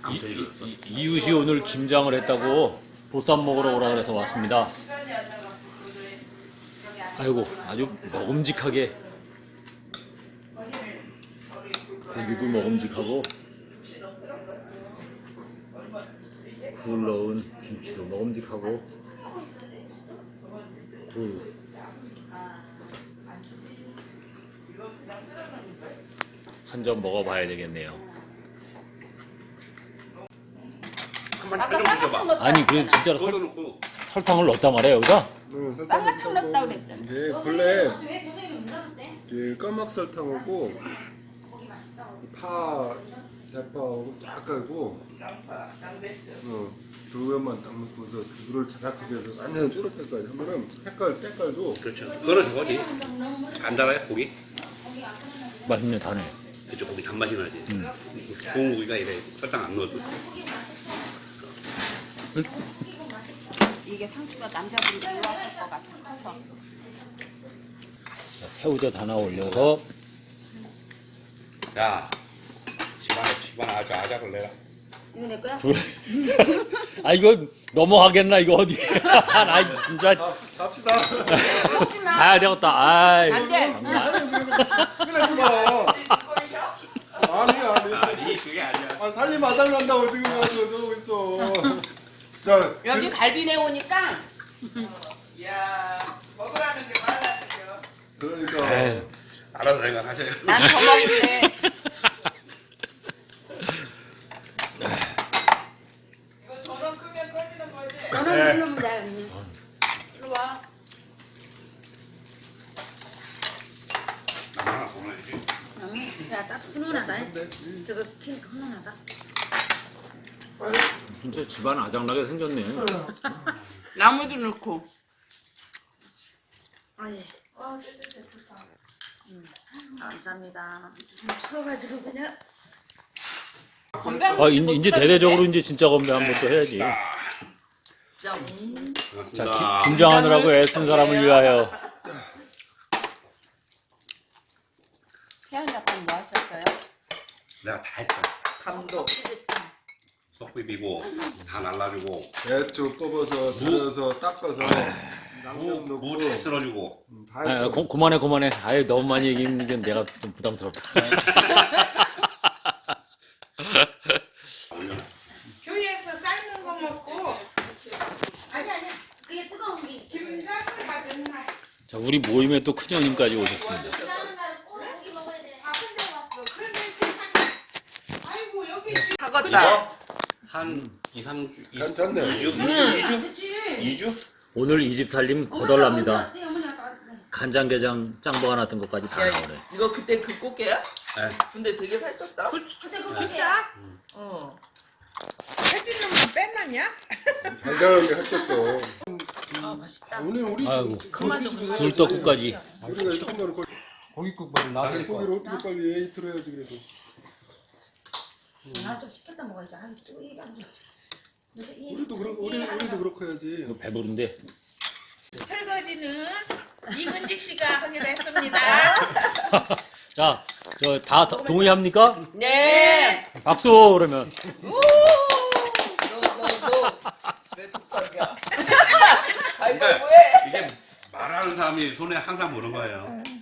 이웃이 오늘 김장을 했다고 보쌈 먹으러 오라 그래서 왔습니다. 아이고 아주 먹음직하게 고기도 먹음직하고 굴 넣은 김치도 먹음직하고 굴 한 점 먹어봐야 되겠네요. 아니 그 진짜로 설탕을 넣었단 말이에요 여기다? 쌍화탕 넣었다 그랬잖아. 이게 본래 이게 까막 설탕하고 파, 대파하고 쫙 깔고 조개만 딱 넣고서 물을 자작하게 해서 완전 쪼릇하게까지 하면은 때깔도 그렇죠. 그거는 저거지. 안 달아요 고기? 맛있네 다네. 그쪽 고기 단맛이 나지. 좋은 고기가 이래 설탕 안 넣어도. 이게 상추가 남자분이 좋아할 것 같아. 커서. 새우젓 하나 올려서 야, 집안에 아주 아작을 내라. 이거 내 거야? 아 이거 넘어가겠나 이거 어디? 나 진짜 갑시다. 먹지 마. 가야 되겠다. 아이. 안 돼. 그러지 마. 아니. 아니 그게 아니야. 아, 살이 마장난다고 지금 가지고 저러고 있어. 자, 여기 갈비내 오니까 야, 먹으라는 게 말라니까. 그러니까. 에이. 알아서 생각하세요. 난 더 먹을래. 이거 전원 끄면 꺼지는 거지? 저는 이러면 돼. 이리 와. 하나 보내야지. 야, 따뜻 훈훈하다. 저거 튀니까 훈훈하다. 진짜 집안 아장나게 생겼네. 나무도 넣고. 아니, 좋다. 감사합니다. 추워가지고 그냥. 아 이제 대대적으로 이제 진짜 건배 한번 또 해야지. 자 김장하느라고 애쓴 사람을 위하여. 태연이 아빠는 뭐 하셨어요? 내가 다 했어. 감독. 속 비비고 다 날라주고 대충 뽑아서 잘라서 닦아서 양념 넣고 무다 쓸어주고. 다 아, 했어. 그만해. 아예 너무 많이 얘기하는 게 내가 좀 부담스럽다. 교회에서 삶은 거 먹고 아니. 그게 뜨거운 게 있어. 김장을 하던 날. 자 우리 모임에 또 큰형님까지 오셨습니다. 아픈 데 왔어. 그런데 세상에. 아이고 여기 이거 한 2, 3주, 괜찮네. 2주? 오늘 이 집 살림 거덜납니다. 간장게장 짱보가 났던 것까지 다 나오네. 이거 그때 그 꽃게야? 네. 근데 되게 살쪘다. 근데 그거 진짜? 어. 살찌는 건 뺐나냐? 달달한 게 했겠어. 아, 맛있다. 오늘 우리 아이고 그만 좀 굴떡국까지. 우리가 이렇게 많은 고기국밥을 나왔을 거야. 고기를 어떻게 빨리 에이트로 해야지 그래도. 나좀 시켰다 먹어야지. 아이, 또 이게 안 좋아. 우리도 그렇게 해야지. 이거 배부른데. 설거지는 이근직 씨가 하기로 했습니다. 자, 저 다 동의합니까? 네. 박수 그러면. 너내 족각이야. 그러니까 가위바위보 해. 이게 말하는 사람이 손에 항상 무는 거예요.